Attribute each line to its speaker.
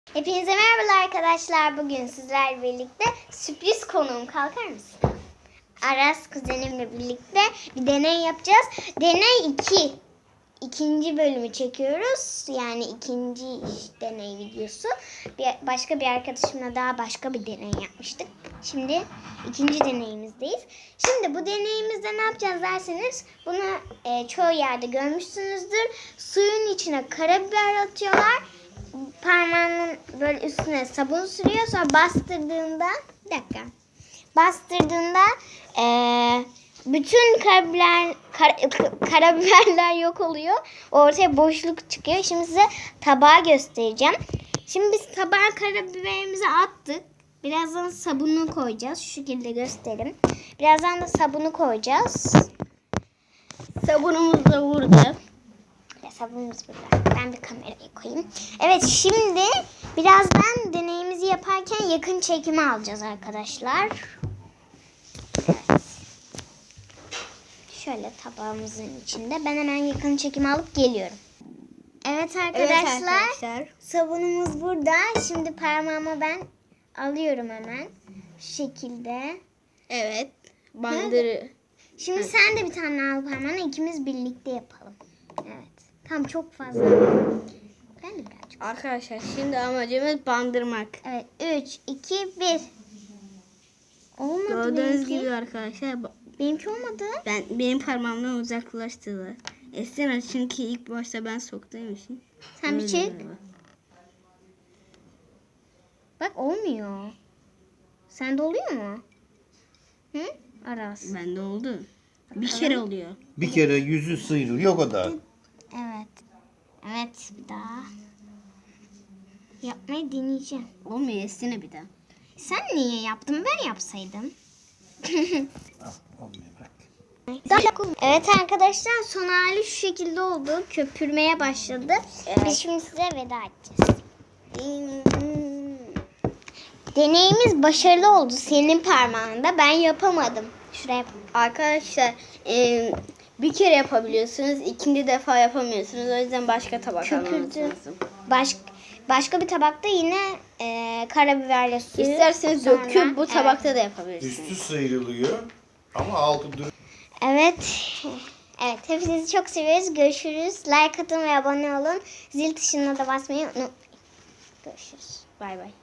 Speaker 1: Hepinize merhabalar arkadaşlar. Bugün sizlerle birlikte sürpriz konuğum, kalkar mısın? Aras kuzenimle birlikte bir deney yapacağız. Deney 2. İkinci bölümü çekiyoruz. Yani ikinci deney videosu. Başka bir arkadaşımla daha başka bir deney yapmıştık. Şimdi ikinci deneyimizdeyiz. Şimdi bu deneyimizde ne yapacağız derseniz, bunu çoğu yerde görmüşsünüzdür. Suyun içine karabiber atıyorlar. Parmağının böyle üstüne sabun sürüyor. Sonra bastırdığında bütün karabiberler yok oluyor. Ortaya boşluk çıkıyor. Şimdi size tabağı göstereceğim. Şimdi biz tabağa karabiberimizi attık. Birazdan sabunu koyacağız. Şu şekilde göstereyim. Birazdan da sabunu koyacağız. Sabunumuz da burada. Sabunumuz burada. Ben bir kamerayı koyayım. Evet, şimdi birazdan deneyimizi yaparken yakın çekimi alacağız arkadaşlar. Evet. Şöyle tabağımızın içinde. Ben hemen yakın çekimi alıp geliyorum. Evet arkadaşlar. Sabunumuz burada. Şimdi parmağıma ben alıyorum hemen. Şu şekilde.
Speaker 2: Evet. Bandırı.
Speaker 1: Şimdi sen de bir tane al parmağına. İkimiz birlikte yapalım. Evet. Tam çok fazla. Ben de birazcık.
Speaker 2: Arkadaşlar şimdi amacımız bandırmak.
Speaker 1: Evet. 3, 2, 1. Olmadı
Speaker 2: Gördüğünüz
Speaker 1: benimki.
Speaker 2: gibi arkadaşlar
Speaker 1: Benimki olmadı.
Speaker 2: benim parmağımdan uzaklaştılar. Esra çünkü ilk başta ben soktuğum için.
Speaker 1: Sen bir
Speaker 2: Öyle
Speaker 1: çek.
Speaker 2: galiba.
Speaker 1: Bak olmuyor. Sende oluyor mu? Hı? Aras.
Speaker 2: Bende oldu. Bir kere oluyor.
Speaker 3: Bir kere yüzü sıyrılıyor o kadar.
Speaker 1: Evet. Evet, bir daha. Yapmayı deneyeceğim.
Speaker 2: Olmuyor Esra bir daha.
Speaker 1: Sen niye yaptın? Ben yapsaydım.
Speaker 3: Olmuyor bak.
Speaker 1: Evet arkadaşlar, son hali şu şekilde oldu. Köpürmeye başladı. Biz şimdi size veda edeceğiz. Deneyimiz başarılı oldu senin parmağında. Ben yapamadım. Şuraya
Speaker 2: Arkadaşlar bir kere yapabiliyorsunuz. İkinci defa yapamıyorsunuz. O yüzden başka tabak almanız
Speaker 1: köpürdü.
Speaker 2: lazım.
Speaker 1: Başka bir tabakta yine karabiberle suyu.
Speaker 2: İsterseniz
Speaker 1: sonra-
Speaker 2: döküp bu
Speaker 1: Evet.
Speaker 2: tabakta da yapabilirsiniz.
Speaker 3: Üstü sıyrılıyor ama altı duruyor.
Speaker 1: Evet. Evet, hepinizi çok seviyoruz. Görüşürüz. Like atın ve abone olun. Zil tuşuna da basmayı unutmayın. Görüşürüz.
Speaker 2: Bay bay.